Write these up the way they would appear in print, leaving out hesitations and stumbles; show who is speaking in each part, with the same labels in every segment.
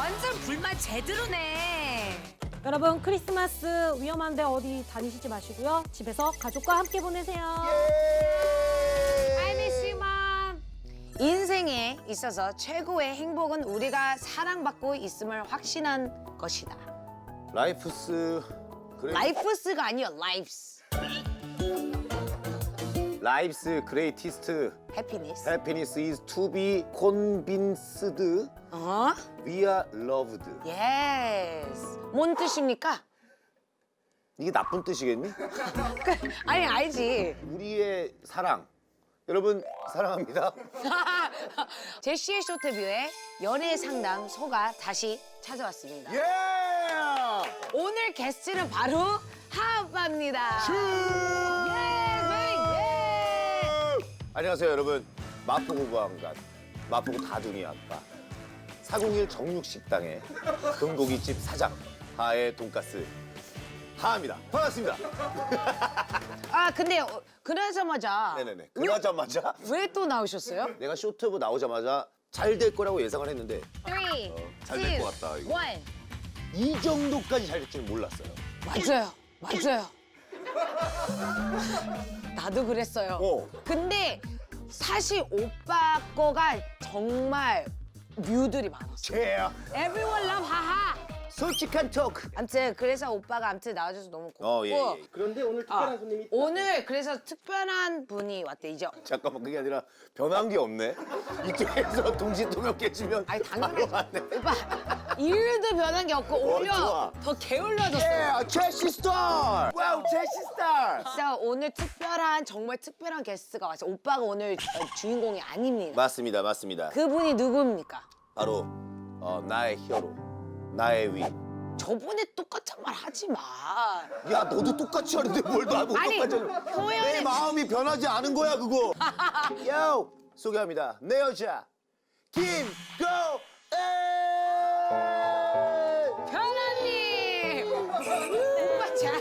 Speaker 1: 완전 불맛 제대로네.
Speaker 2: 여러분 크리스마스 위험한데 어디 다니시지 마시고요. 집에서 가족과 함께 보내세요.
Speaker 1: I miss you, mom. 인생에 있어서 최고의 행복은 우리가 사랑받고 있음을 확신한 것이다.
Speaker 3: 라이프스
Speaker 1: 라이프스가 아니요, 라이프스.
Speaker 3: 라이프스 그레이티스트
Speaker 1: 해피니스.
Speaker 3: 해피니스 is to be convinced
Speaker 1: 어?
Speaker 3: we are loved.
Speaker 1: 예스. 뭔 뜻입니까?
Speaker 3: 이게 나쁜 뜻이겠니?
Speaker 1: 아니, 알지.
Speaker 3: 우리의 사랑. 여러분 사랑합니다.
Speaker 1: 제시의 쇼트뷰에 연애 상담 소가 다시 찾아왔습니다.
Speaker 3: 예!
Speaker 1: 오늘 게스트는 바로 하아빠입니다.
Speaker 3: 안녕하세요 여러분. 마포구 보안관, 마포구 다둥이 아빠, 401 정육식당의 금고기집 사장 하의 돈가스 하입니다. 반갑습니다.
Speaker 1: 아, 근데 그러자마자
Speaker 3: 네네네. 그러자마자
Speaker 1: 왜 또 나오셨어요?
Speaker 3: 내가 쇼트브 나오자마자 잘 될 거라고 예상을 했는데
Speaker 1: 3,
Speaker 3: 잘될것 같다, 이거.
Speaker 1: 1.
Speaker 3: 이 정도까지 잘 될 줄은 몰랐어요.
Speaker 1: 맞아요. 나도 그랬어요. 근데 사실 오빠 거가 정말 뮤들이 많았어.
Speaker 3: 제야.
Speaker 1: Everyone love 하하.
Speaker 3: 솔직한 토크.
Speaker 1: 아무튼 그래서 오빠가 아무튼 나와줘서 너무 고맙고.
Speaker 3: 예.
Speaker 4: 그런데 오늘 특별한 손님이 있다.
Speaker 1: 오늘 그래서 특별한 분이 왔대 이제.
Speaker 3: 잠깐만 그게 아니라 변한 게 없네. 이쪽에서 동시통역 깨지면
Speaker 1: 아니 당연하지.
Speaker 3: 바로 왔네.
Speaker 1: 오빠 일도 변한 게 없고 오히려
Speaker 3: 좋아.
Speaker 1: 더 게을러졌어요.
Speaker 3: 예, 제시 스타. 와우, 제시 스타.
Speaker 1: 진짜 오늘 정말 특별한 게스트가 왔어요. 오빠가 오늘 주인공이 아닙니다.
Speaker 3: 맞습니다.
Speaker 1: 그분이 누굽니까?
Speaker 3: 바로 나의 히어로, 나의 위.
Speaker 1: 저번에 똑같은 말 하지 마.
Speaker 3: 야, 너도 똑같이 하는데 뭘 나보고
Speaker 1: 아니,
Speaker 3: 똑같이 하냐.
Speaker 1: 표현을-
Speaker 3: 내 마음이 변하지 않은 거야, 그거. 요, 소개합니다. 내 여자, 김고은.
Speaker 1: 현아님! 오빠 잘.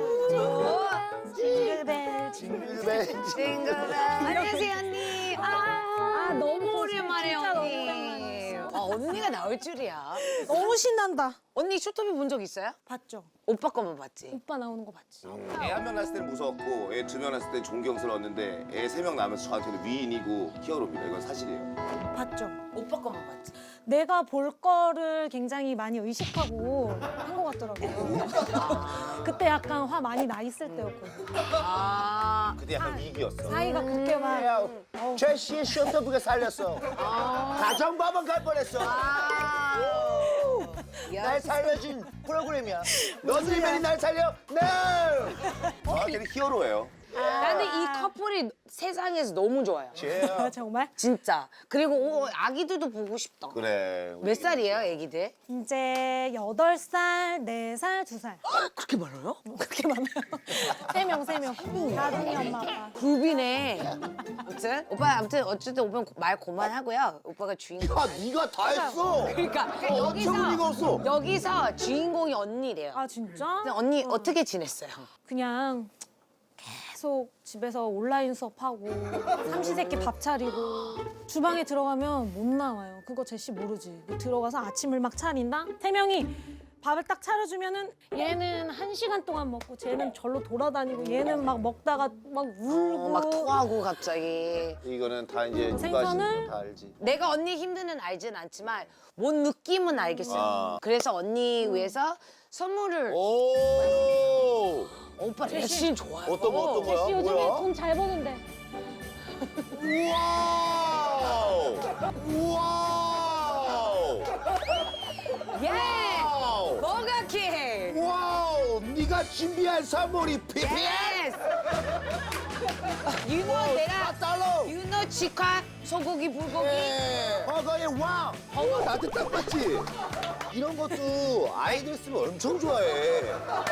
Speaker 2: 징글벨
Speaker 3: 징글벨.
Speaker 1: 징글벨. 안녕하세요, 언니. 너무 오랜만에,
Speaker 2: 진짜 너무
Speaker 1: 언니.
Speaker 2: 오랜만이에요.
Speaker 1: 언니가 나올 줄이야.
Speaker 2: 너무 신난다.
Speaker 1: 언니 쇼트비 본 적 있어요?
Speaker 2: 봤죠?
Speaker 1: 오빠 거만 봤지.
Speaker 2: 오빠 나오는 거 봤지?
Speaker 3: 애 한 명 낳았을 때는 무서웠고 애 2명 낳았을 때는 존경스러웠는데 애 3명 낳으면서 저한테는 위인이고 히어로입니다. 이건 사실이에요.
Speaker 2: 봤죠?
Speaker 1: 오빠 거만 봤지.
Speaker 2: 내가 볼 거를 굉장히 많이 의식하고 한 것 같더라고요. 그때 약간 화 많이 나 있을 때였거든요.
Speaker 1: 아.
Speaker 3: 그때 약간 위기였어.
Speaker 2: 사이가 그렇게 막
Speaker 3: 제시의 쇼트북에 살렸어. 가정법원 갈 뻔했어. 날 살려준 프로그램이야. 너들만이 날 살려? No! 저한테는 히어로예요.
Speaker 1: 근데 이 커플이 세상에서 너무 좋아요.
Speaker 3: 쟤야.
Speaker 2: 정말
Speaker 1: 진짜. 그리고 아기들도 보고 싶다.
Speaker 3: 그래.
Speaker 1: 몇 살이에요, 아기들?
Speaker 2: 이제 8살, 4살, 2살.
Speaker 1: 그렇게 많아요?
Speaker 2: 그렇게 많아요. 3명. 나중에 엄마 아빠.
Speaker 1: 굽이네. 아무튼 어쨌든 오빠 말 그만하고요. 오빠가 주인공.
Speaker 3: 야, 네가 다 했어.
Speaker 1: 그러니까
Speaker 3: 엄청 리가 없어.
Speaker 1: 여기서 주인공이 언니래요.
Speaker 2: 아 진짜?
Speaker 1: 근데 언니 어떻게 지냈어요?
Speaker 2: 그냥 계속 집에서 온라인 수업하고 삼시세끼 밥 차리고 주방에 들어가면 못 나와요. 그거 제시 모르지. 들어가서 아침을 막 차린다? 3명이 밥을 딱 차려주면은 얘는 1시간 동안 먹고 쟤는 절로 돌아다니고 얘는 막 먹다가 막 울고
Speaker 1: 막 토하고 갑자기.
Speaker 3: 이거는 다 이제 누가
Speaker 2: 생선을-
Speaker 3: 하시는 거 다 알지.
Speaker 1: 내가 언니 힘드는 알진 않지만 뭔 느낌은 알겠어요.
Speaker 3: 아.
Speaker 1: 그래서 언니 위해서 선물을
Speaker 3: 오!
Speaker 1: 오빠 대신 좋아요.
Speaker 3: 어떤 거야?
Speaker 2: 제시 요즘에
Speaker 3: 뭐야?
Speaker 2: 돈 잘 버는데
Speaker 3: 와우! 와우!
Speaker 1: 예!
Speaker 3: 와우!
Speaker 1: 뭐가키!
Speaker 3: 와우! 네가 준비한 선물이 PPL!
Speaker 1: 예스! 유노 내가
Speaker 3: 달러!
Speaker 1: 유노 치카 소고기 불고기
Speaker 3: 버거의 왕! 버거 나한테 딱 맞지? 이런 것도 아이들 쓰면 엄청 좋아해.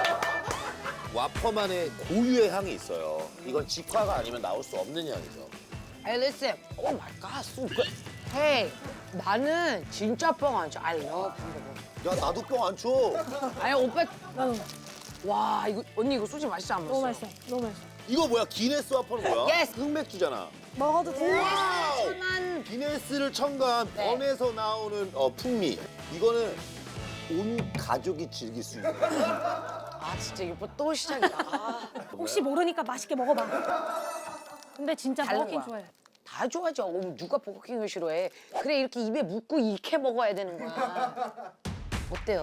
Speaker 3: 와퍼만의 고유의 향이 있어요. 이건 직화가 아니면 나올 수 없는 향이죠.
Speaker 1: Hey listen, oh my god, so good. Hey, 나는 진짜 뻥 안 쳐. I love hamburger.
Speaker 3: 야, 나도 뻥 안 쳐.
Speaker 1: 아니 오빠,
Speaker 2: 나도
Speaker 1: 와 이거 언니 이거 솔직히 맛있지 않았어?
Speaker 2: 너무 맛있어. 너무 맛있어.
Speaker 3: 이거 뭐야? 기네스 와퍼는 뭐야?
Speaker 1: Yes.
Speaker 3: 흑맥주잖아.
Speaker 2: 먹어도 돼?
Speaker 3: 와우!
Speaker 1: 만
Speaker 3: 기네스를 첨가한
Speaker 1: 네.
Speaker 3: 번에서 나오는 풍미. 이거는 온 가족이 즐길 수 있는.
Speaker 1: 아 진짜 이거 또 시작이야. 아,
Speaker 2: 혹시 모르니까 맛있게 먹어봐. 근데 진짜
Speaker 1: 다른
Speaker 2: 버거킹
Speaker 1: 거야.
Speaker 2: 좋아해.
Speaker 1: 다 좋아하죠. 누가 버거킹을 싫어해? 그래 이렇게 입에 묻고 이렇게 먹어야 되는 거야. 어때요?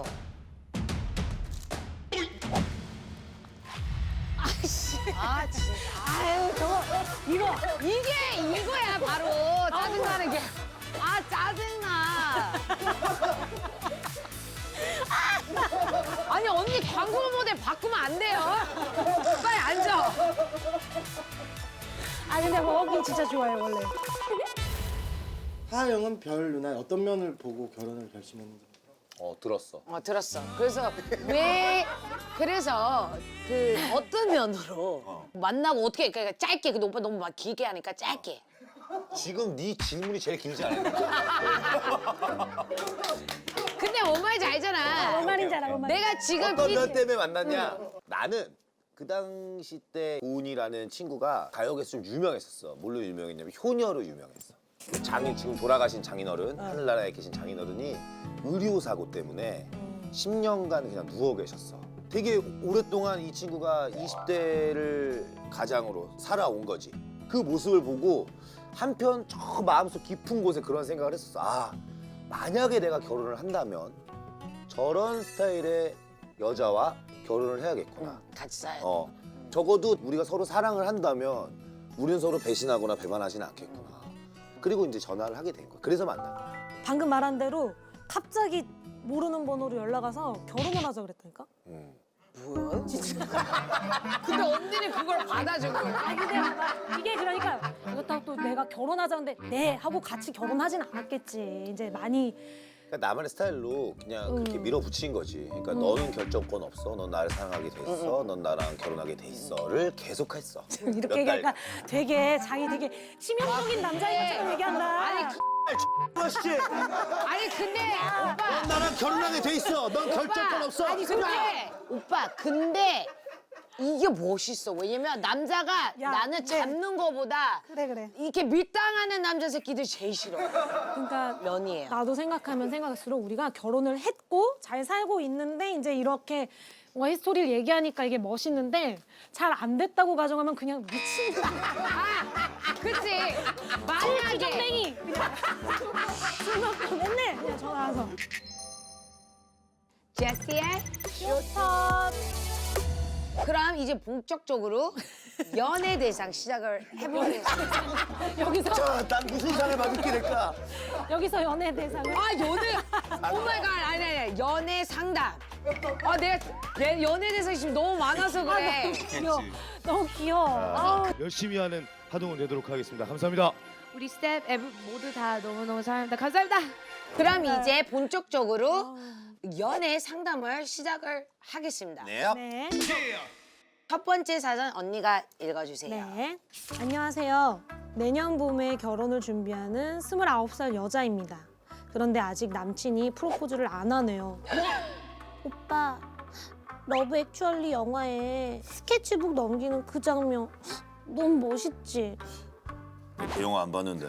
Speaker 1: 아씨. 아 진짜. 아유 저거 이거야 바로 짜증나는 게. 아 짜증나. 아니 언니 광고 모델 바꾸면 안 돼요. 빨리 앉아.
Speaker 2: 아 근데 버거킹 진짜 좋아해 원래.
Speaker 4: 하영은 별 누나 어떤 면을 보고 결혼을 결심했는지.
Speaker 3: 들었어.
Speaker 1: 들었어. 그래서 그 어떤 면으로 만나고 어떻게 그러니까 짧게 근데 오빠 너무 막 길게 하니까 짧게.
Speaker 3: 지금 네 질문이 제일 길지 않아?
Speaker 1: 근데 뭔 말인지 알잖아.
Speaker 2: 뭔 말인지 알아, 뭔 말인지.
Speaker 1: 내가 지금
Speaker 3: 어떤 면 때문에 만났냐? 나는 그 당시 때 고은이라는 친구가 가요 개수로 유명했었어. 뭘로 유명했냐면 효녀로 유명했어. 장인 지금 돌아가신 장인어른, 하늘나라에 계신 장인어른이 의료사고 때문에 10년간 그냥 누워 계셨어. 되게 오랫동안 이 친구가 20대를 가장으로 살아온 거지. 그 모습을 보고 한편 저 마음속 깊은 곳에 그런 생각을 했었어. 아, 만약에 내가 결혼을 한다면 저런 스타일의 여자와 결혼을 해야겠구나.
Speaker 1: 같이 살야 돼.
Speaker 3: 적어도 우리가 서로 사랑을 한다면 우리는 서로 배신하거나 배반하지는 않겠구나. 그리고 이제 전화를 하게 된 거야. 그래서 만난 거야.
Speaker 2: 방금 말한 대로 갑자기 모르는 번호로 연락 와서 결혼을 하자 그랬다니까?
Speaker 1: 뭐야? 진짜. 근데 언니는 그걸 받아준 거야.
Speaker 2: 아 근데 봐봐. 이게 그러니까 그렇다고 또 내가 결혼하자는데 네 하고 같이 결혼하진 않았겠지. 이제 많이
Speaker 3: 그러니까 나만의 스타일로 그냥 그렇게 밀어붙인 거지. 그러니까 너는 결정권 없어. 넌 나를 사랑하게 돼 있어. 넌 나랑 결혼하게 돼 있어를 계속했어.
Speaker 2: 이렇게
Speaker 3: 몇
Speaker 2: 얘기하니까
Speaker 3: 달.
Speaker 2: 되게 자기 되게 치명적인 남자인 것처럼 얘기한다.
Speaker 1: 아니
Speaker 3: 아씨,
Speaker 1: 아니 근데 오빠.
Speaker 3: 넌 나랑 결혼하게 돼 있어. 넌 결정권 없어.
Speaker 1: 아니 근데 오빠 근데 이게 멋있어. 왜냐면 남자가
Speaker 2: 야,
Speaker 1: 나는
Speaker 2: 네.
Speaker 1: 잡는 거보다
Speaker 2: 그래.
Speaker 1: 이렇게 밀당하는 남자 새끼들 제일 싫어.
Speaker 2: 그러니까
Speaker 1: 면이에요.
Speaker 2: 나도 생각하면 생각할수록 우리가 결혼을 했고 잘 살고 있는데 이제 이렇게 뭔가 히스토리를 얘기하니까 이게 멋있는데 잘 안 됐다고 가정하면 그냥 미친 거야.
Speaker 1: 그치? 만약에
Speaker 2: 땡이 그냥 술 먹고 맨날 그냥 전화와서
Speaker 1: 제시의
Speaker 2: 쇼탑
Speaker 1: 그럼 이제 본격적으로 연애 대상 시작을 해보겠습니다.
Speaker 2: 여기서
Speaker 3: 자, 난 무슨 상을 받게 될까?
Speaker 2: 여기서 연애 대상을
Speaker 1: 아 연애 오마이갓 아니 연애 상담. 아 내가 연애 대상이 지금 너무 많아서 그래.
Speaker 2: 귀여워. 너무 귀여워. 아우.
Speaker 5: 열심히 하는 하동훈 되도록 하겠습니다. 감사합니다.
Speaker 6: 우리 스텝 모두 다 너무너무 사랑합니다. 감사합니다.
Speaker 1: 그럼 이제 본격적으로 연애 상담을 시작을 하겠습니다.
Speaker 3: 네.
Speaker 2: 네.
Speaker 1: 첫 번째 사연 언니가 읽어주세요.
Speaker 2: 네. 안녕하세요. 내년 봄에 결혼을 준비하는 29살 여자입니다. 그런데 아직 남친이 프로포즈를 안 하네요. 오빠, 러브 액츄얼리 영화에 스케치북 넘기는 그 장면 너무 멋있지?
Speaker 3: 그 영화 안 봤는데.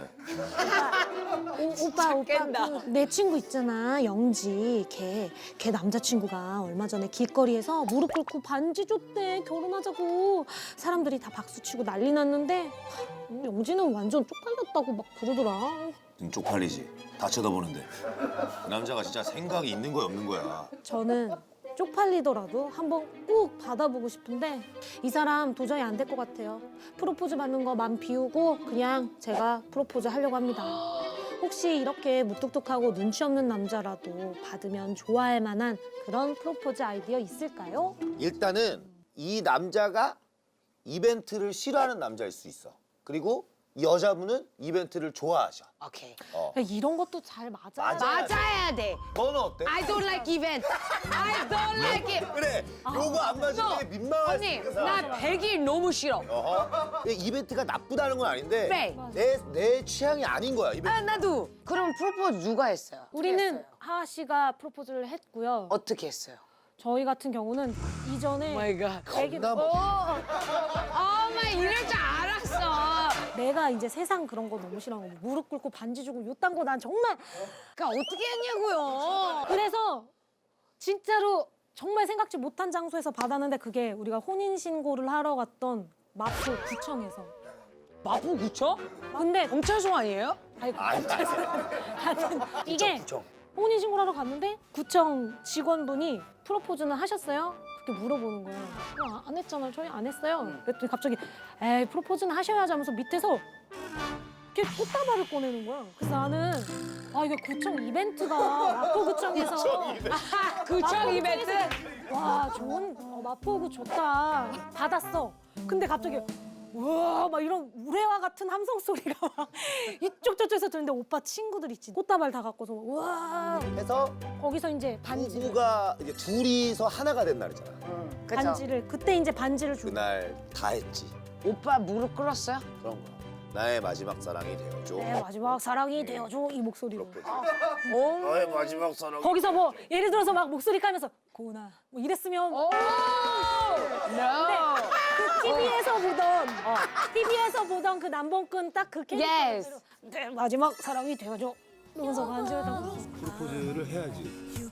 Speaker 2: 오빠,
Speaker 1: 깬다.
Speaker 2: 내 친구 있잖아, 영지. 걔 남자친구가 얼마 전에 길거리에서 무릎 꿇고 반지 줬대. 결혼하자고. 사람들이 다 박수치고 난리 났는데 영지는 완전 쪽팔렸다고 막 그러더라.
Speaker 3: 좀 쪽팔리지. 다 쳐다보는데. 그 남자가 진짜 생각이 있는 거야 없는 거야.
Speaker 2: 저는 쪽팔리더라도 한번 꼭 받아보고 싶은데 이 사람 도저히 안 될 것 같아요. 프로포즈 받는 거 맘 비우고 그냥 제가 프로포즈 하려고 합니다. 혹시 이렇게 무뚝뚝하고 눈치 없는 남자라도 받으면 좋아할 만한 그런 프로포즈 아이디어 있을까요?
Speaker 3: 일단은 이 남자가 이벤트를 싫어하는 남자일 수 있어. 그리고 이 여자분은 이벤트를 좋아하셔.
Speaker 1: 오케이.
Speaker 2: 그러니까 이런 것도 잘 맞아야 돼.
Speaker 1: 맞아야 돼.
Speaker 3: 너는 어때?
Speaker 1: I don't like event. I don't like it.
Speaker 3: 그래. 요거 안 맞을
Speaker 1: No.
Speaker 3: 때 민망할 수
Speaker 1: 언니,
Speaker 3: 있는
Speaker 1: 나
Speaker 3: 사람.
Speaker 1: 100일 너무 싫어.
Speaker 3: 이벤트가 나쁘다는 건 아닌데
Speaker 1: 네.
Speaker 3: 내 취향이 아닌 거야. 이벤트.
Speaker 1: 아, 나도. 그럼 프로포즈 누가 했어요?
Speaker 2: 우리는 하하 씨가 프로포즈를 했고요.
Speaker 1: 어떻게 했어요?
Speaker 2: 저희 같은 경우는 이전에
Speaker 1: 마이 갓.
Speaker 2: 애기
Speaker 3: 나
Speaker 1: 엄마 이럴 줄 알았어.
Speaker 2: 내가 이제 세상 그런 거 너무 싫어하고 무릎 꿇고 반지 주고 요딴 거 난 정말
Speaker 1: 그러니까 어떻게 했냐고요.
Speaker 2: 그래서 진짜로 정말 생각지 못한 장소에서 받았는데 그게 우리가 혼인신고를 하러 갔던 마포 구청에서
Speaker 1: 마포구청?
Speaker 2: 근데
Speaker 1: 경찰서 아니에요?
Speaker 2: 아이고
Speaker 3: 아니,
Speaker 2: 하여튼 이게 혼인신고를 하러 갔는데 구청 직원분이 프로포즈는 하셨어요? 그렇게 물어보는 거예요. 안 했잖아요. 저희 안 했어요. 그랬더니 갑자기 에이 프로포즈는 하셔야지 하면서 밑에서 이렇게 꽃다발을 꺼내는 거야. 그래서 나는 아 이게 구청 이벤트가 마포구청에서
Speaker 1: 구청 이벤트?
Speaker 2: 와 좋은 마포구 좋다 받았어. 근데 갑자기 우와 막 이런 우레와 같은 함성 소리가 막 이쪽 저쪽에서 들리는데 오빠 친구들 있지 꽃다발 다 갖고서 우와
Speaker 3: 해서
Speaker 2: 거기서 이제 반지를
Speaker 3: 부부가 이제 둘이서 하나가 된 날이잖아.
Speaker 1: 그쵸?
Speaker 2: 반지를 그때 이제 반지를 주고
Speaker 3: 그날 다 했지.
Speaker 1: 오빠 무릎 꿇었어요?
Speaker 3: 그런 거야. 나의 마지막 사랑이 되어줘.
Speaker 2: 내 마지막 사랑이 되어줘 이 목소리로
Speaker 3: 나의 마지막 사랑.
Speaker 2: 거기서 뭐 예를 들어서 막 목소리 까면서 고은아 뭐 이랬으면
Speaker 1: 오! No!
Speaker 2: 그 TV에서 보던 그 남봉꾼 딱 그 캐릭터
Speaker 1: Yes.
Speaker 2: 그대로 내 마지막 사랑이 되어줘 이러면서 반지를 다
Speaker 5: 프로포즈를 해야지.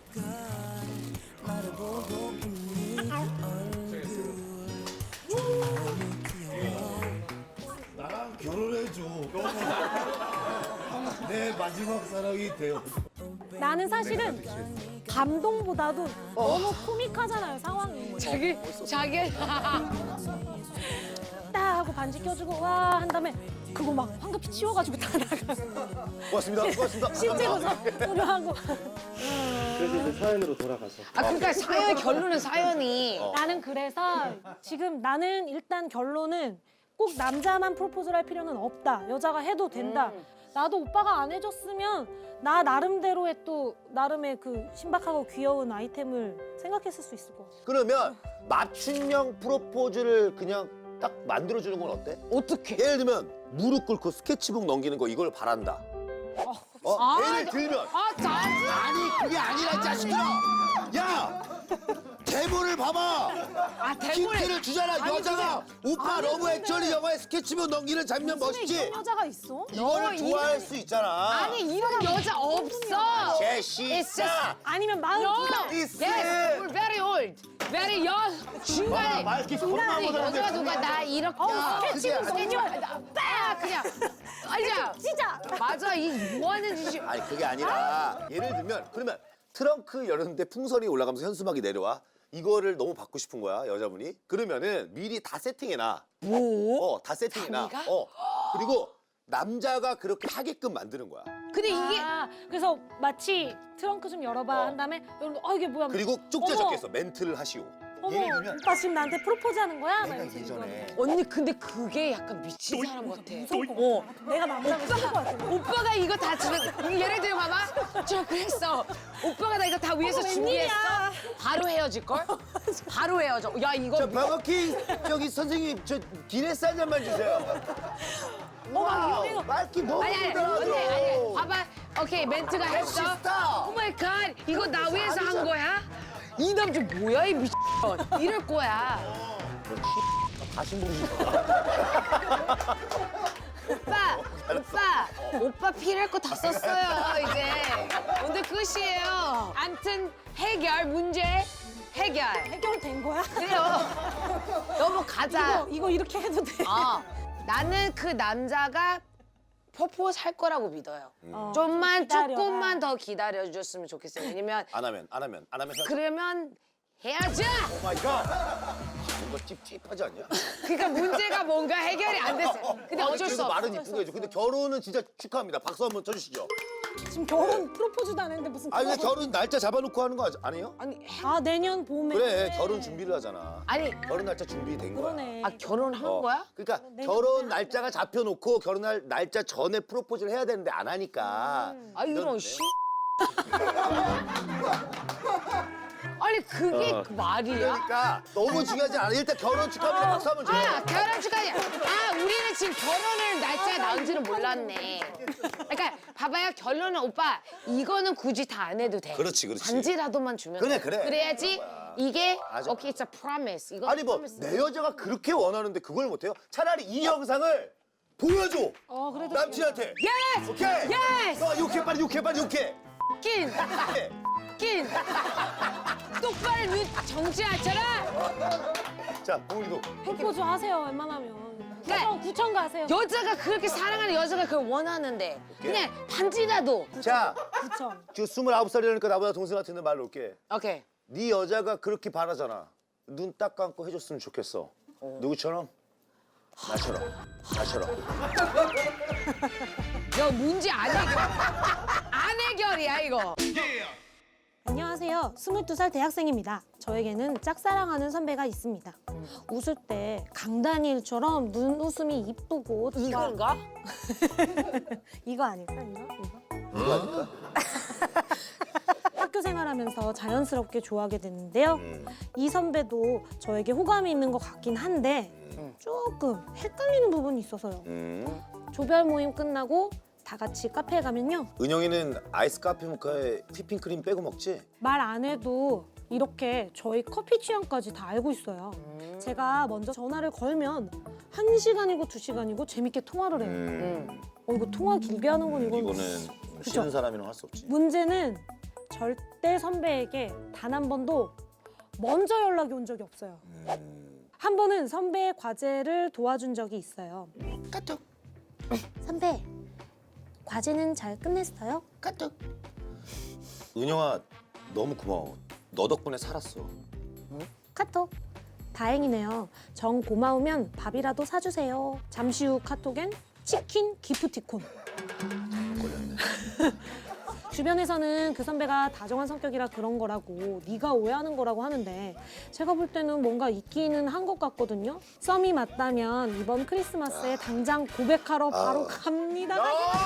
Speaker 5: 나랑 결혼해줘. 내 마지막 사랑이 되어.
Speaker 2: 나는 사실은 감동보다도 너무 코믹하잖아요 상황이
Speaker 1: 자기
Speaker 2: 딱 하고 반지 껴주고 와 한 다음에 그거 막 황급히 치워가지고 다 나가
Speaker 3: 고맙습니다. 고맙습니다.
Speaker 2: 실제로 소리로 하고
Speaker 4: 그래서 이제 사연으로 돌아가서
Speaker 1: 그러니까 사연 결론은 사연이
Speaker 2: 나는 그래서 지금 나는 일단 결론은 꼭 남자만 프로포즈를 할 필요는 없다 여자가 해도 된다 나도 오빠가 안 해줬으면 나 나름대로의 또 나름의 그 신박하고 귀여운 아이템을 생각했을 수 있을 것 같아
Speaker 3: 그러면 맞춤형 프로포즈를 그냥 딱 만들어주는 건 어때?
Speaker 1: 어떻게?
Speaker 3: 예를 들면 무릎 꿇고 스케치북 넘기는 거 이걸 바란다. 예를 들면
Speaker 1: 짜증!
Speaker 3: 아니 그게 아니라 이 자식들아. 야 대본을 봐봐. 힌트를 주잖아. 여자가 오빠 러브 액츄얼리 영화의 스케치북 넘기는 장면 멋있지?
Speaker 2: 이런 여자가 있어?
Speaker 3: 이거를 좋아할 수 있잖아.
Speaker 1: 아니 이런 여자 없어.
Speaker 3: 제시사.
Speaker 2: 아니면 마음
Speaker 1: Yes, we're very old, very young. 중간에
Speaker 3: 말기 소리만
Speaker 1: 아니,
Speaker 3: 못하는데.
Speaker 1: 여자가 누가 나 이렇게
Speaker 2: 스케치북 넘겨
Speaker 1: 딱 그냥 아니야.
Speaker 2: 진짜
Speaker 1: 맞아 이 뭐 하는 짓이.
Speaker 3: 아니 그게 아니라 예를 들면 그러면 트렁크 열었는데 풍선이 올라가면서 현수막이 내려와. 이거를 너무 받고 싶은 거야 여자분이. 그러면은 미리 다 세팅해놔.
Speaker 1: 뭐?
Speaker 3: 다 세팅해놔.
Speaker 1: 자기가?
Speaker 3: 그리고 남자가 그렇게 하게끔 만드는 거야.
Speaker 1: 근데 이게
Speaker 2: 그래서 마치 트렁크 좀 열어봐 한 다음에 여러분 이게 뭐야
Speaker 3: 그리고 쪽지에
Speaker 2: 어머.
Speaker 3: 적혀있어. 멘트를 하시오.
Speaker 2: 어머
Speaker 3: 예를 들면
Speaker 2: 오빠 지금 나한테 프로포즈 하는 거야? 막
Speaker 3: 내가
Speaker 2: 이러면서
Speaker 3: 예전에
Speaker 1: 언니 근데 그게 약간 미친 사람 같아.
Speaker 2: 내가 남자면 싫을 것 같아
Speaker 1: 오빠가 이거 다 지금 예를 들어 봐봐. 저 그랬어. 오빠가 나 이거 다 위해서
Speaker 2: 어머,
Speaker 1: 준비했어.
Speaker 2: 웬일이야.
Speaker 1: 바로 헤어질 걸? 바로 헤어져. 야 이거
Speaker 3: 저 버거킹 저기 선생님 저 기네스 한 잔만 주세요.
Speaker 2: 막 이거
Speaker 3: 말기 너무
Speaker 1: 아니
Speaker 3: 부드러워.
Speaker 1: 봐봐. 오케이 멘트가 했어.
Speaker 3: 멋있다.
Speaker 1: 오 마이 갓 이거 나 위해서 한 거야? 이 남자 뭐야 이 미친 이럴 거야.
Speaker 3: 다시 모르지.
Speaker 1: 오빠 필요할 거 다 썼어요 이제. 오늘 끝이에요. 암튼 해결 문제 해결.
Speaker 2: 해결된 거야?
Speaker 1: 그래요. 넘어가자.
Speaker 2: 이거 이렇게 해도 돼?
Speaker 1: 나는 그 남자가 프로포즈 할 거라고 믿어요.
Speaker 2: 기다려라.
Speaker 1: 조금만 더 기다려줬으면 좋겠어요. 왜냐면
Speaker 3: 안 하면
Speaker 1: 그러면 해야죠.
Speaker 3: 오 마이 갓. 뭔가 찝찝하지 않냐?
Speaker 1: 그러니까 문제가 뭔가 해결이 안 됐어요. 근데 어쩔 수
Speaker 3: 그래도
Speaker 1: 없어.
Speaker 3: 말은 이쁘게 해줘. 근데 결혼은 진짜 축하합니다. 박수 한번 쳐주시죠.
Speaker 2: 지금 결혼 프로포즈도 안 했는데 무슨
Speaker 3: 아니 근데 결혼 날짜 잡아놓고 하는 거 아니에요?
Speaker 1: 아니
Speaker 2: 내년 봄에
Speaker 3: 그래 결혼 준비를 하잖아.
Speaker 1: 아니
Speaker 3: 결혼 날짜 준비된 거야.
Speaker 2: 그러네
Speaker 1: 결혼한 거야?
Speaker 3: 그러니까 결혼 날짜가 잡혀놓고 결혼할 날짜 전에 프로포즈를 해야 되는데 안 하니까.
Speaker 1: 이런 씨. 아니 그게 말이야?
Speaker 3: 그러니까 너무 중요하지 않아. 일단 결혼 축하합니다. 박수 한번 줘요.
Speaker 1: 결혼 축하해. 우리는 지금 결혼을 날짜가 나온지는 몰랐네. 그러니까 봐봐요 결론은 오빠 이거는 굳이 다 안 해도 돼.
Speaker 3: 그렇지, 그렇지.
Speaker 1: 반지라도만 주면
Speaker 3: 그래,
Speaker 1: 돼.
Speaker 3: 그래.
Speaker 1: 그래야지 이게
Speaker 3: 맞아.
Speaker 1: 오케이 it's a promise. 이거
Speaker 3: 아니 뭐
Speaker 1: promise.
Speaker 3: 내 여자가 그렇게 원하는데 그걸 못해요? 차라리 이 영상을 보여줘.
Speaker 2: 그래도
Speaker 3: 남친한테.
Speaker 1: Yes!
Speaker 3: 오케이.
Speaker 1: Yes!
Speaker 3: 욕해 빨리 욕해 빨리 욕해.
Speaker 1: 낀! 낀! 똑바로 눈 정지하잖아.
Speaker 3: 자, 우리도
Speaker 2: 프로포즈 하세요 웬만하면.
Speaker 1: 그러니까
Speaker 2: 구청 가세요.
Speaker 1: 여자가 그렇게 사랑하는 여자가 그걸 원하는데 그냥 반지라도.
Speaker 3: 자,
Speaker 2: 구청.
Speaker 3: 지금 29살이라니까 나보다 동생 같은데 말 놓을게.
Speaker 1: 오케이.
Speaker 3: 네 여자가 그렇게 바라잖아. 눈 딱 감고 해줬으면 좋겠어. 누구처럼? 나처럼.
Speaker 1: 너 문제 안 해결. 안 해결이야 이거.
Speaker 2: 안녕하세요. 22살 대학생입니다. 저에게는 짝사랑하는 선배가 있습니다. 웃을 때 강다니엘처럼 눈웃음이 이쁘고
Speaker 1: 이건가?
Speaker 2: 이거 아닐까? 이거?
Speaker 3: 누구 아닐까?
Speaker 2: 학교 생활하면서 자연스럽게 좋아하게 됐는데요. 이 선배도 저에게 호감이 있는 것 같긴 한데 조금 헷갈리는 부분이 있어서요. 조별 모임 끝나고 다 같이 카페에 가면요.
Speaker 3: 은영이는 아이스 카페 모카에 휘핑크림 빼고 먹지?
Speaker 2: 말 안 해도 이렇게 저희 커피 취향까지 다 알고 있어요. 제가 먼저 전화를 걸면 1시간이고 2시간이고 재밌게 통화를 해요. 이거 통화 길게 하는 건 이건
Speaker 3: 이거는
Speaker 2: 그죠?
Speaker 3: 싫은 사람이랑 할 수 없지.
Speaker 2: 문제는 절대 선배에게 단 한 번도 먼저 연락이 온 적이 없어요. 한 번은 선배의 과제를 도와준 적이 있어요.
Speaker 3: 까톡.
Speaker 2: 선배, 과제는 잘 끝냈어요?
Speaker 3: 까톡. 은영아, 너무 고마워. 너 덕분에 살았어.
Speaker 2: 카톡. 다행이네요. 정 고마우면 밥이라도 사주세요. 잠시 후 카톡엔 치킨 기프티콘.
Speaker 3: 걸렸네.
Speaker 2: 주변에서는 그 선배가 다정한 성격이라 그런 거라고 네가 오해하는 거라고 하는데 제가 볼 때는 뭔가 있기는 한 것 같거든요. 썸이 맞다면 이번 크리스마스에 당장 고백하러 바로 갑니다.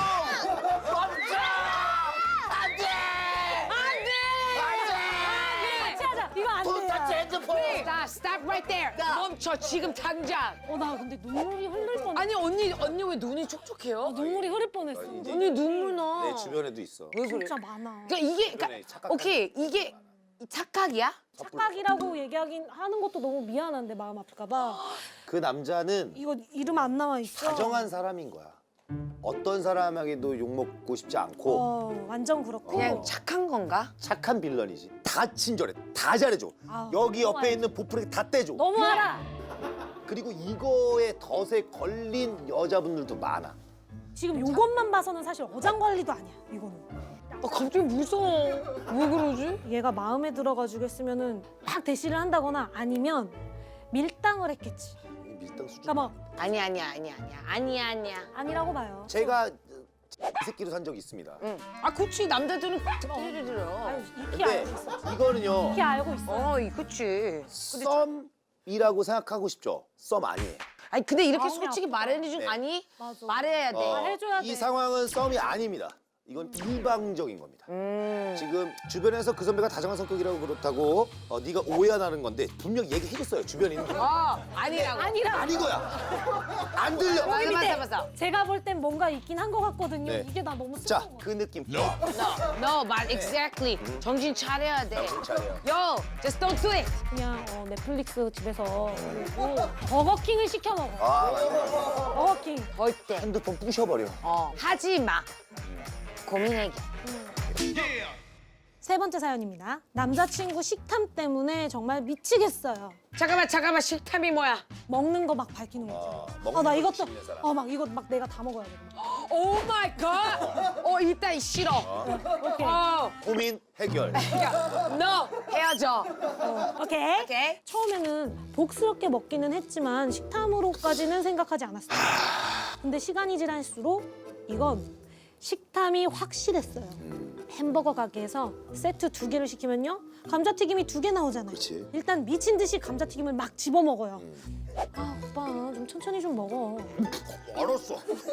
Speaker 2: 같이 하자. 이거 안 돼.
Speaker 1: Stop right there. 멈춰 지금 당장.
Speaker 2: 나 근데 눈물이 흐를 뻔.
Speaker 1: 아니 언니 왜 눈이 촉촉해요?
Speaker 2: 눈물이 흐를 뻔했어.
Speaker 1: 언니 눈물 나.
Speaker 3: 내 주변에도 있어.
Speaker 1: 왜 그래?
Speaker 2: 진짜 많아.
Speaker 1: 그러니까 이게
Speaker 3: 주변에 착각하는
Speaker 1: 오케이 이게 착각이야?
Speaker 2: 착각이라고 얘기하긴 하는 것도 너무 미안한데 마음 아플까 봐.
Speaker 3: 그 남자는
Speaker 2: 이거 이름 안 나와 있어.
Speaker 3: 다정한 사람인 거야. 어떤 사람에게도 욕먹고 싶지 않고
Speaker 2: 완전 그렇고.
Speaker 1: 그냥 착한 건가?
Speaker 3: 착한 빌런이지. 다 친절해. 다 잘해줘.
Speaker 2: 아우,
Speaker 3: 여기
Speaker 2: 너무
Speaker 3: 옆에
Speaker 2: 알지.
Speaker 3: 있는 보풀에 다 떼줘.
Speaker 2: 너무 알아.
Speaker 3: 그리고 이거에 덫에 걸린 여자분들도 많아.
Speaker 2: 지금 요것만 봐서는 사실 어장관리도 아니야. 이거는.
Speaker 1: 갑자기 무서워. 왜 그러지?
Speaker 2: 얘가 마음에 들어가지고 했으면은 막 대시를 한다거나 아니면 밀당을 했겠지.
Speaker 3: 이 밀당 수준.
Speaker 2: 그러니까 막
Speaker 1: 아니야.
Speaker 2: 아니라고 봐요.
Speaker 3: 제가 이 새끼로 산 적이 있습니다.
Speaker 1: 응. 그치 남자들은 특별히 들어.
Speaker 2: 아유, 익히
Speaker 3: 근데
Speaker 2: 알고 있어.
Speaker 3: 이거는요.
Speaker 2: 익히 알고 있어.
Speaker 1: 그치.
Speaker 3: 썸이라고 생각하고 싶죠? 썸 아니에요.
Speaker 1: 아니 근데 이렇게
Speaker 2: 마음이
Speaker 1: 솔직히
Speaker 2: 아프다.
Speaker 1: 말해주지
Speaker 3: 네.
Speaker 1: 아니?
Speaker 2: 맞아.
Speaker 1: 말해야 돼.
Speaker 2: 해줘야
Speaker 3: 이
Speaker 2: 돼.
Speaker 3: 상황은 썸이 아닙니다. 이건 일방적인 겁니다. 지금 주변에서 그 선배가 다정한 성격이라고 그렇다고 네가 오해하는 건데 분명 얘기해줬어요. 주변에 있는 거.
Speaker 1: 아니라고.
Speaker 3: 아닌 거야. 안 들려.
Speaker 1: 맞아.
Speaker 2: 제가 볼 땐 뭔가 있긴 한 것 같거든요.
Speaker 3: 네.
Speaker 2: 이게 나 너무
Speaker 3: 자,
Speaker 2: 슬퍼.
Speaker 3: 그 느낌.
Speaker 1: No, 말 exactly. 정신 차려야 돼.
Speaker 3: 정신 차려.
Speaker 1: Yo, just don't do it.
Speaker 2: 그냥 넷플릭스 집에서 그리고 버거킹을 시켜 먹어.
Speaker 3: 아, 맞아.
Speaker 2: 버거킹.
Speaker 1: 절대.
Speaker 3: 핸드폰 부셔버려.
Speaker 1: 하지 마. 고민 해결.
Speaker 2: 세 번째 사연입니다. 남자친구 식탐 때문에 정말 미치겠어요.
Speaker 1: 잠깐만 식탐이 뭐야?
Speaker 2: 먹는 거 막 밝히는 거죠.
Speaker 3: 먹는
Speaker 2: 나
Speaker 3: 걸
Speaker 2: 이것도
Speaker 3: 미치는 사람.
Speaker 2: 막 이거 막 내가 다 먹어야 돼.
Speaker 1: 오 마이 갓. 일단 싫어.
Speaker 2: 오케이.
Speaker 3: 고민 해결.
Speaker 1: No, 헤어져.
Speaker 2: 오케이.
Speaker 1: 오케이.
Speaker 2: 처음에는 복스럽게 먹기는 했지만 식탐으로까지는 생각하지 않았어요. 근데 시간이 지날수록 이건 식탐이 확실했어요. 햄버거 가게에서 세트 2개를 시키면요. 감자튀김이 2개 나오잖아요.
Speaker 3: 그치.
Speaker 2: 일단 미친 듯이 감자튀김을 막 집어 먹어요. 오빠 좀 천천히 좀 먹어.
Speaker 3: 알았어.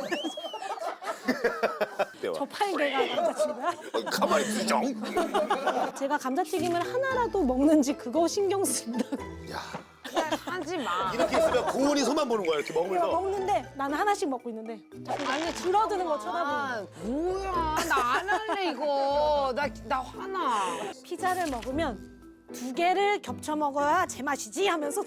Speaker 2: 저 팔개가 남자친구야?
Speaker 3: 가만히 있어.
Speaker 2: 제가 감자튀김을 하나라도 먹는지 그거 신경 쓴다.
Speaker 3: 야,
Speaker 1: 하지 마.
Speaker 3: 이렇게 있으면 고은이 손만 보는 거야. 이렇게
Speaker 2: 내가
Speaker 3: 먹으면서.
Speaker 2: 먹는데 나는 하나씩 먹고 있는데 자꾸 나중에 줄어드는 거 쳐다보는
Speaker 1: 아, 뭐야. 나 안 할래, 이거. 나 화나.
Speaker 2: 거야. 피자를 먹으면 2개를 겹쳐 먹어야 제맛이지 하면서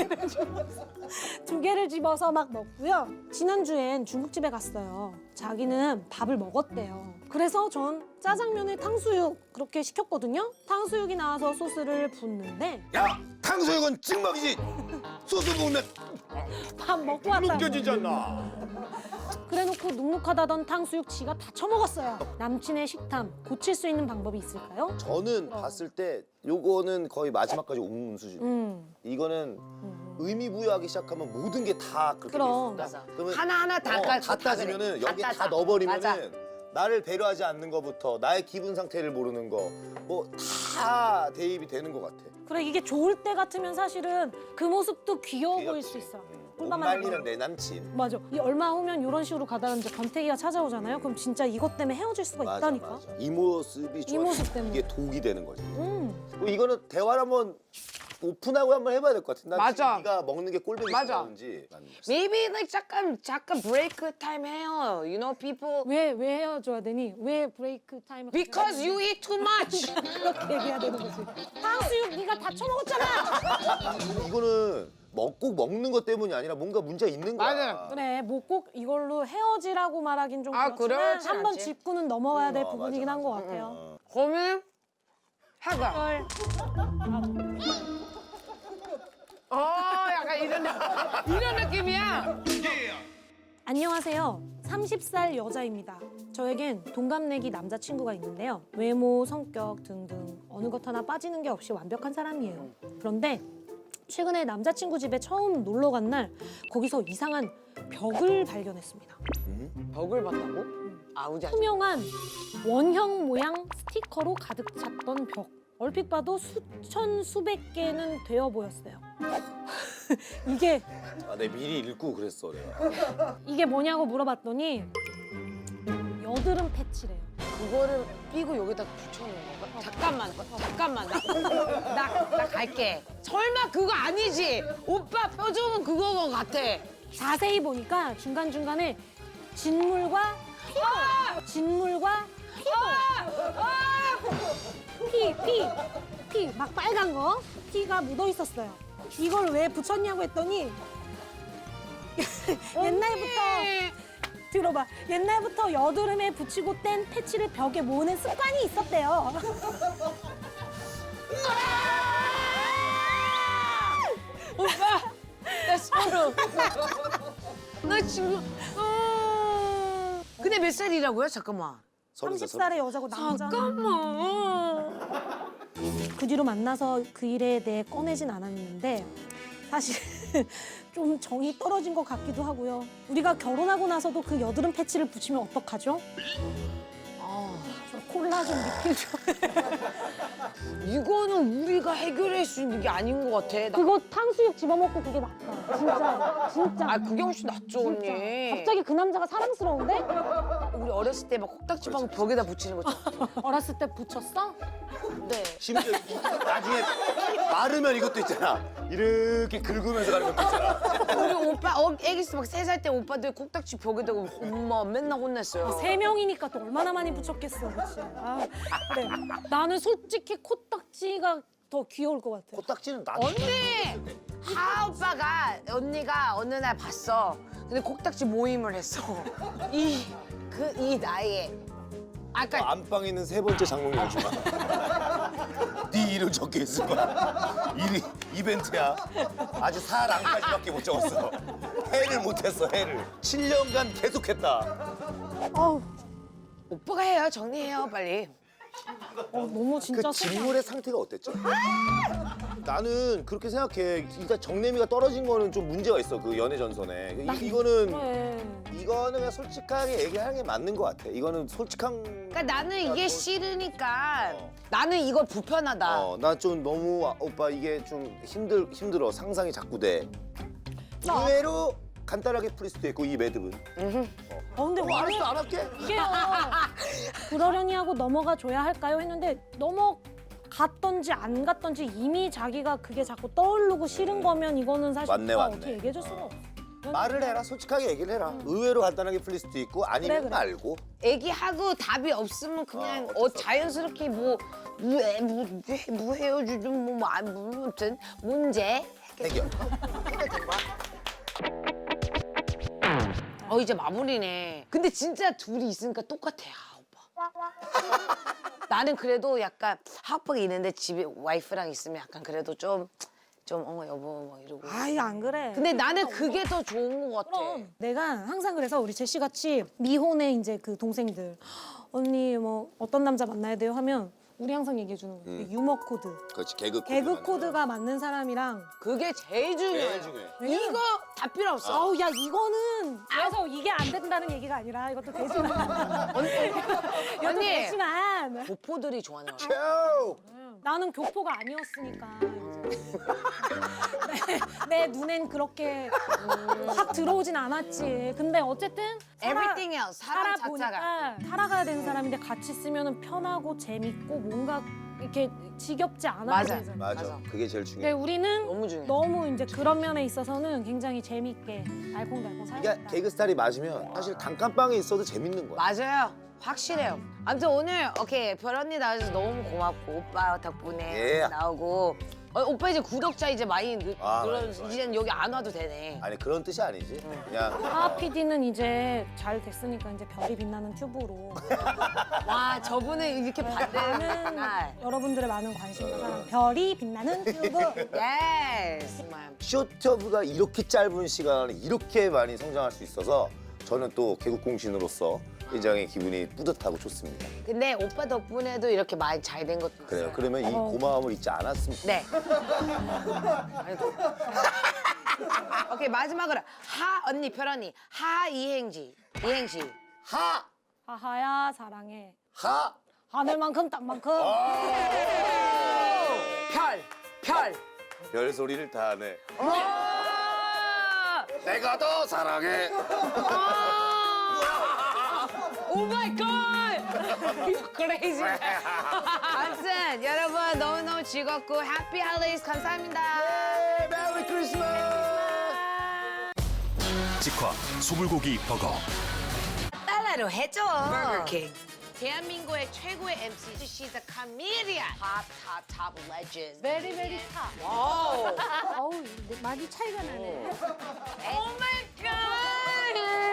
Speaker 2: 2개를 집어서 막 먹고요. 지난주엔 중국집에 갔어요. 자기는 밥을 먹었대요. 그래서 전 짜장면에 탕수육 그렇게 시켰거든요. 탕수육이 나와서 소스를 붓는데
Speaker 3: 야, 탕수육은 찍먹이지. 소스 볶으면
Speaker 2: 밥 먹고 왔다고.
Speaker 3: 느껴지지 않나?
Speaker 2: 그래놓고 눅눅하다던 탕수육 지가 다 처먹었어요. 남친의 식탐 고칠 수 있는 방법이 있을까요?
Speaker 3: 저는 봤을 때 요거는 거의 마지막까지 온 수준. 이거는 의미 부여하기 시작하면 모든 게 다 그렇게 돼
Speaker 2: 그럼.
Speaker 3: 있습니다. 그러면
Speaker 1: 하나하나 다 깔고
Speaker 3: 다 따지면은 여기 다 넣어버리면은
Speaker 1: 맞아.
Speaker 3: 나를 배려하지 않는 것부터 나의 기분 상태를 모르는 거 뭐 다 대입이 되는 것 같아.
Speaker 2: 그래 이게 좋을 때 같으면 사실은 그 모습도 귀여워 보일
Speaker 3: 귀엽지.
Speaker 2: 수 있어.
Speaker 3: 못
Speaker 2: 꿀밤
Speaker 3: 말리는 내 남친.
Speaker 2: 맞아. 이 얼마 후면 이런 식으로 가다가 이제 권태기가 찾아오잖아요. 그럼 진짜 이것 때문에 헤어질 수가
Speaker 3: 맞아,
Speaker 2: 있다니까.
Speaker 3: 맞아. 이 모습이 좋아.
Speaker 2: 모습 때문에.
Speaker 3: 이게 독이 되는 거지.
Speaker 2: 음.
Speaker 3: 이거는 대화를 한번 오픈하고 한번 해봐야 될 것 같아. 난
Speaker 1: 맞아.
Speaker 3: 지금 네가 먹는 게 꼴보기
Speaker 1: 맞아.
Speaker 3: 싫다는지.
Speaker 1: Maybe like 잠깐 브레이크 타임 해요. You know people
Speaker 2: 왜 헤어져야 되니? 왜 브레이크 타임을
Speaker 1: because you eat too much.
Speaker 2: 그렇게 얘기해야 되는 거지. 탕수육 네가 다 처먹었잖아.
Speaker 3: 이거는 꼭 먹는 것 때문이 아니라 뭔가 문제가 있는 거야.
Speaker 1: 맞아.
Speaker 2: 그래 뭐 꼭 이걸로 헤어지라고 말하긴 좀
Speaker 1: 아,
Speaker 2: 그렇지만
Speaker 1: 그렇지
Speaker 2: 한번
Speaker 1: 않지.
Speaker 2: 짚고는 넘어가야 될
Speaker 3: 맞아,
Speaker 2: 부분이긴 한 것
Speaker 3: 맞아.
Speaker 2: 같아요.
Speaker 1: 그러면 해가.
Speaker 2: 헐.
Speaker 1: 약간 이런 느낌이야.
Speaker 2: 안녕하세요. 30살 여자입니다. 저에겐 동갑내기 남자친구가 있는데요. 외모, 성격 등등 어느 것 하나 빠지는 게 없이 완벽한 사람이에요. 그런데 최근에 남자친구 집에 처음 놀러 간 날 거기서 이상한 벽을 발견했습니다.
Speaker 1: 벽을 봤다고? 아우지.
Speaker 2: 투명한 원형 모양 스티커로 가득 찼던 벽. 얼핏 봐도 수천 수백 개는 되어 보였어요. 이게
Speaker 3: 내 미리 읽고 그랬어 내가.
Speaker 2: 이게 뭐냐고 물어봤더니 여드름 패치래요.
Speaker 1: 그거를 끼고 여기다 붙여놓은 건가? 잠깐만. 나 갈게. 설마 그거 아니지? 오빠 표정은 그거 같아.
Speaker 2: 자세히 보니까 중간중간에 진물과 진물과 피 막 빨간 거 피가 묻어 있었어요. 이걸 왜 붙였냐고 했더니 옛날부터 들어봐. 옛날부터 여드름에 붙이고 뗀 패치를 벽에 모으는 습관이 있었대요.
Speaker 1: 오빠, 나 소름. 나 지금. 근데 몇 살이라고요? 잠깐만.
Speaker 2: 30살의 여자고 남자.
Speaker 1: 잠깐만.
Speaker 2: 그 뒤로 만나서 그 일에 대해 꺼내진 않았는데 사실 좀 정이 떨어진 것 같기도 하고요. 우리가 결혼하고 나서도 그 여드름 패치를 붙이면 어떡하죠? 저 콜라 좀 리필 좀.
Speaker 1: 이거는 우리가 해결할 수 있는 게 아닌 것 같아.
Speaker 2: 그거 탕수육 집어먹고 그게 낫다. 진짜.
Speaker 1: 그게 훨씬 낫죠, 언니.
Speaker 2: 갑자기 그 남자가 사랑스러운데?
Speaker 1: 우리 어렸을 때 막 콕딱지방 벽에다 붙이는 거.
Speaker 2: 어렸을 때 붙였어?
Speaker 1: 네.
Speaker 3: 심지어 나중에 마르면 이것도 있잖아. 이렇게 긁으면서 가는 것도 있잖아.
Speaker 1: 우리 오빠 애기 때 막 3살 때 오빠들 콕딱지 벽에다가 엄마 맨날 혼냈어요.
Speaker 2: 3명이니까 또 얼마나 많이 붙였겠어, 그치? 아, 그래. 나는 솔직히 코딱지가 더 귀여울 것 같아.
Speaker 3: 코딱지는 나.
Speaker 1: 언니! 오빠가 언니가 어느 날 봤어. 근데 콕딱지 모임을 했어. 이 나이에. 아까
Speaker 3: 안방에 있는 3번째 장롱이 주마. 네 이름 적혀 있을 거야. 이벤트야. 아직 사랑까지밖에 못 적었어. 해를 못했어, 해를. 7년간 계속했다.
Speaker 2: 어우,
Speaker 1: 오빠가 해요. 정리해요, 빨리.
Speaker 2: 너무 진짜
Speaker 3: 그 진물의 상태가 어땠죠? 나는 그렇게 생각해. 일단 정내미가 떨어진 거는 좀 문제가 있어. 그 연애 전선에. 이거는
Speaker 2: 그래.
Speaker 3: 그냥 솔직하게 얘기하는 게 맞는 것 같아. 이거는 솔직한.
Speaker 1: 그러니까 나는 이게 싫으니까 나는 이거 불편하다.
Speaker 3: 나 좀 너무 오빠 이게 좀 힘들어. 상상이 자꾸 돼. 의외로 간단하게 풀릴 수도 있고 이 매듭은.
Speaker 2: 근데 왜
Speaker 3: 알았어, 안 할게.
Speaker 2: 이게요. 그러려니 하고 넘어가 줘야 할까요? 했는데 넘어가 갔던지 안 갔던지 이미 자기가 그게 자꾸 떠오르고 싫은 거면 이거는 사실
Speaker 3: 맞네,
Speaker 2: 오빠
Speaker 3: 맞네.
Speaker 2: 어떻게 얘기해줄 수가 없어.
Speaker 3: 말을 해라. 솔직하게 얘기를 해라. 의외로 간단하게 풀릴 수도 있고 아니면
Speaker 2: 그래.
Speaker 3: 말고.
Speaker 1: 애기하고 답이 없으면 그냥 자연스럽게 뭐 헤어지든 무슨 문제
Speaker 3: 해결.
Speaker 1: 해결된 거야. 이제 마무리네. 근데 진짜 둘이 있으니까 똑같아, 오빠. 나는 그래도 약간 하프가 있는데 집에 와이프랑 있으면 약간 그래도 좀 여보 뭐 이러고.
Speaker 2: 아이 안 그래.
Speaker 1: 근데 나는 그게 더 좋은 것 같아.
Speaker 2: 그럼 내가 항상 그래서 우리 제시 같이 미혼의 이제 그 동생들 언니 뭐 어떤 남자 만나야 돼요 하면 우리 항상 얘기해 주는 거야. 유머 코드.
Speaker 3: 그렇지. 개그
Speaker 2: 개그 코드가 맞는 사람이랑
Speaker 1: 그게 제일 중요해.
Speaker 3: 제일 중요해.
Speaker 1: 이거 다 필요 없어.
Speaker 2: 아우 야 이거는 그래서 이게 안 된다는 얘기가 아니라 이것도 되지만 이것도
Speaker 1: 언니.
Speaker 2: 되지만
Speaker 1: 보포들이 좋아하는 거야.
Speaker 3: 오!
Speaker 2: 나는 교포가 아니었으니까 내 눈엔 그렇게 확 들어오진 않았지. 근데 어쨌든
Speaker 1: Everything else, 사람
Speaker 2: 살아보니까 살아가야 되는 사람인데 같이 있으면 편하고 재밌고 뭔가 이렇게 지겹지 않아
Speaker 1: 맞아.
Speaker 2: 보이잖아.
Speaker 3: 맞아. 그게 제일
Speaker 2: 근데
Speaker 3: 중요해.
Speaker 2: 우리는
Speaker 1: 너무 중요해.
Speaker 2: 너무 이제 그런 면에 있어서는 굉장히 재밌게 알콩달콩
Speaker 3: 이게
Speaker 2: 살았다.
Speaker 3: 개그 스타일이 맞으면 사실 단칸방에 있어도 재밌는 거야.
Speaker 1: 맞아요. 확실해요. 아무튼 오늘 오케이 별언니 나와줘서 너무 고맙고 오빠 덕분에
Speaker 3: 예.
Speaker 1: 나오고 오빠 이제 구독자 이제 많이
Speaker 3: 아,
Speaker 1: 늘어
Speaker 3: 많이, 많이.
Speaker 1: 이제는 여기 안 와도 되네.
Speaker 3: 아니 그런 뜻이 아니지. 그냥
Speaker 2: 하하 PD는 이제 잘 됐으니까 이제 별이 빛나는 튜브로
Speaker 1: 와 저분은 이렇게 반대는
Speaker 2: 많은 여러분들의 많은 관심과 사랑 별이 빛나는 튜브
Speaker 1: 예스 정말.
Speaker 3: 쇼트브가 이렇게 짧은 시간에 이렇게 많이 성장할 수 있어서 저는 또 개국공신으로서 굉장히 기분이 뿌듯하고 좋습니다.
Speaker 1: 근데 오빠 덕분에도 이렇게 많이 잘 된 것도
Speaker 3: 그래요.
Speaker 1: 있어요.
Speaker 3: 그러면 이 고마움을 잊지 않았으면
Speaker 1: 네. 아이고. 오케이 마지막으로 하 언니 별언니 하 이행시
Speaker 3: 하!
Speaker 2: 하하야 사랑해
Speaker 3: 하!
Speaker 2: 하늘만큼 땅만큼
Speaker 1: 별
Speaker 3: 별 소리를 다 하네.
Speaker 1: 와!
Speaker 3: 내가 더 사랑해.
Speaker 1: 오 마이 갓! You crazy. 아무튼 여러분 너무너무 즐겁고 해피 할리데이즈 감사합니다.
Speaker 3: 메리 크리스마스!
Speaker 7: 직화 소불고기 버거.
Speaker 1: 달러로 해줘. 버거킹. 대한민국의 최고의 MC. She's a comedian. Top legend.
Speaker 2: 베리 베리 타
Speaker 1: 와우.
Speaker 2: 어우 많이 차이가 나네
Speaker 1: 오 마이 갓!